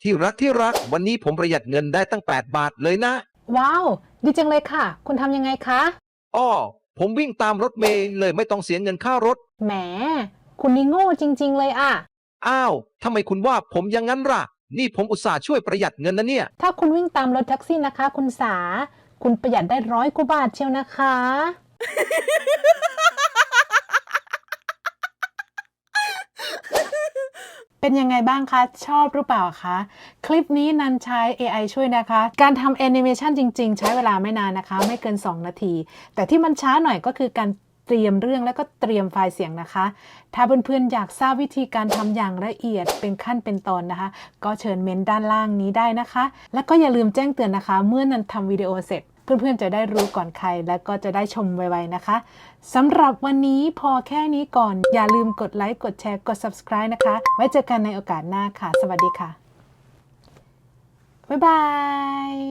ที่รักวันนี้ผมประหยัดเงินได้ตั้ง8 บาทเลยนะว้าวดีจังเลยค่ะคุณทำยังไงคะอ้อผมวิ่งตามรถเมล์เลยไม่ต้องเสียเงินค่ารถแหมคุณนี่โง่จริงๆเลยอะอ้าวทำไมคุณว่าผมอย่างนั้นล่ะนี่ผมอุตส่าห์ช่วยประหยัดเงินนะเนี่ยถ้าคุณวิ่งตามรถแท็กซี่นะคะคุณสาคุณประหยัดได้100 กว่าบาทเชียวนะคะเป็นยังไงบ้างคะชอบหรือเปล่าคะคลิปนี้นันใช้ AI ช่วยนะคะการทำแอนิเมชันจริงๆใช้เวลาไม่นานนะคะไม่เกิน2 นาทีแต่ที่มันช้าหน่อยก็คือการเตรียมเรื่องแล้วก็เตรียมไฟล์เสียงนะคะถ้าเพื่อนๆอยากทราบวิธีการทำอย่างละเอียดเป็นขั้นเป็นตอนนะคะก็เชิญเมนด้านล่างนี้ได้นะคะแล้วก็อย่าลืมแจ้งเตือนนะคะเมื่อนันทำวิดีโอเสร็จเพื่อนๆจะได้รู้ก่อนใครและก็จะได้ชมไวๆนะคะสำหรับวันนี้พอแค่นี้ก่อนอย่าลืมกดไลค์กดแชร์กด subscribe นะคะไว้เจอกันในโอกาสหน้าค่ะสวัสดีค่ะบ๊ายบาย